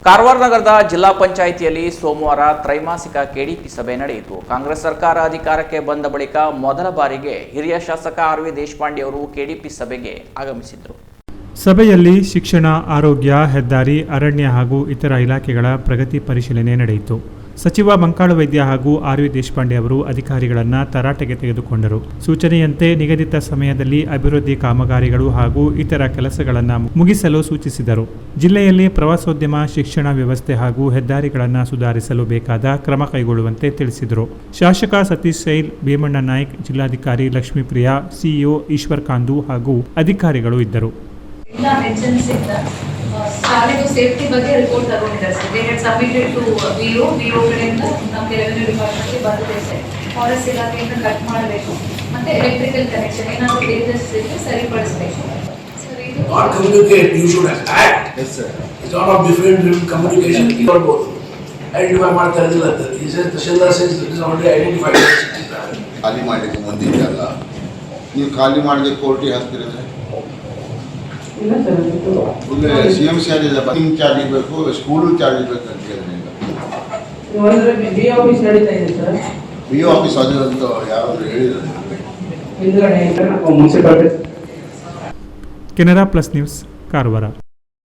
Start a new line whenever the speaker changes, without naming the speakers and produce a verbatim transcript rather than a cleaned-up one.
ಕಾರವಾರ ನಗರದ ಜಿಲ್ಲಾ ಪಂಚಾಯಿತಿಯಲ್ಲಿ ಸೋಮವಾರ ತ್ರೈಮಾಸಿಕ ಕೆಡಿಪಿ ಸಭೆ ನಡೆಯಿತು. ಕಾಂಗ್ರೆಸ್ ಸರ್ಕಾರ ಅಧಿಕಾರಕ್ಕೆ ಬಂದ ಬಳಿಕ ಮೊದಲ ಬಾರಿಗೆ ಹಿರಿಯ ಶಾಸಕ ಆರ್ ವಿ ದೇಶಪಾಂಡೆ ಅವರು ಕೆಡಿಪಿ ಸಭೆಗೆ ಆಗಮಿಸಿದರು.
ಸಭೆಯಲ್ಲಿ ಶಿಕ್ಷಣ, ಆರೋಗ್ಯ, ಹೆದ್ದಾರಿ, ಅರಣ್ಯ ಹಾಗೂ ಇತರ ಇಲಾಖೆಗಳ ಪ್ರಗತಿ ಪರಿಶೀಲನೆ ನಡೆಯಿತು. ಸಚಿವ ಮಂಕಾಳು ವೈದ್ಯ ಹಾಗೂ ಆರ್ ವಿ ದೇಶಪಾಂಡೆ ಅವರು ಅಧಿಕಾರಿಗಳನ್ನು ತರಾಟೆಗೆ ತೆಗೆದುಕೊಂಡರು. ಸೂಚನೆಯಂತೆ ನಿಗದಿತ ಸಮಯದಲ್ಲಿ ಅಭಿವೃದ್ಧಿ ಕಾಮಗಾರಿಗಳು ಹಾಗೂ ಇತರ ಕೆಲಸಗಳನ್ನು ಮುಗಿಸಲು ಸೂಚಿಸಿದರು. ಜಿಲ್ಲೆಯಲ್ಲಿ ಪ್ರವಾಸೋದ್ಯಮ, ಶಿಕ್ಷಣ ವ್ಯವಸ್ಥೆ ಹಾಗೂ ಹೆದ್ದಾರಿಗಳನ್ನು ಸುಧಾರಿಸಲು ಬೇಕಾದ ಕ್ರಮ ಕೈಗೊಳ್ಳುವಂತೆ ತಿಳಿಸಿದರು. ಶಾಸಕ ಸತೀಶ್ ಸೈಲ್, ಭೀಮಣ್ಣ ನಾಯ್ಕ್, ಜಿಲ್ಲಾಧಿಕಾರಿ ಲಕ್ಷ್ಮೀಪ್ರಿಯಾ, ಸಿಇಒ ಈಶ್ವರ್ ಕಾಂದು ಹಾಗೂ ಅಧಿಕಾರಿಗಳು ಇದ್ದರು.
ಶಾಲೆಗೂ ಸೇಫ್ಟಿ ಬಗ್ಗೆ ರಿಪೋರ್ಟ್ ತಗೊಂಡಿದ್ದಾರೆ sir. They had submitted to VO VO ಕಡೆಯಿಂದ ನಮಗೆ ರೆವೆನ್ಯೂ ಡಿಪಾರ್ಟ್ಮೆಂಟ್ಗೆ ಬಂದಿದೆ ಸರ್. ಫಾರೆಸ್ಟ್ ಇಲಾಖೆಯಿಂದ ಕಟ್ ಮಾಡಬೇಕು ಮತ್ತೆ ಎಲೆಕ್ಟ್ರಿಕಲ್ ಕನೆಕ್ಷನ್ ಏನಾದರೂ ಡೇಂಜರ್ಸ್ ಇದ್ದರೆ ಸರಿಪಡಿಸಬೇಕು ಸರ್. ಇದು
not communicate, you should act. Yes sir. It's not of different communication. ಇರಬಹುದು. ಐಡೆಂಟಿಫೈ ಮಾಡ್ತಾ ಇರಲಿಲ್ಲ ಅಂತ. He says tahsildar says it is already identified.
ಖಾಲಿ ಮಾಡಲಿಕ್ಕೆ ಮುಂದಿದ್ದಲ್ಲ, ನೀವು ಖಾಲಿ ಮಾಡಲಿಕ್ಕೆ ಕೋರ್ಟಿಗೆ ಹಾಕ್ತಿರಿದ್ರೆ C M C R bussing charge ಇರಬೇಕು, ಸ್ಕೂಲು ಚಾರ್ಜ್ ಇರಬೇಕು ಅಂತ ಹೇಳಿದ್ರೆ ಬಿ ಒ ಆಫೀಸ್ ಅದು ಅಂತ ಯಾರಾದರೂ ಹೇಳಿದ್ರೆ.
Canara plus news, Karwar.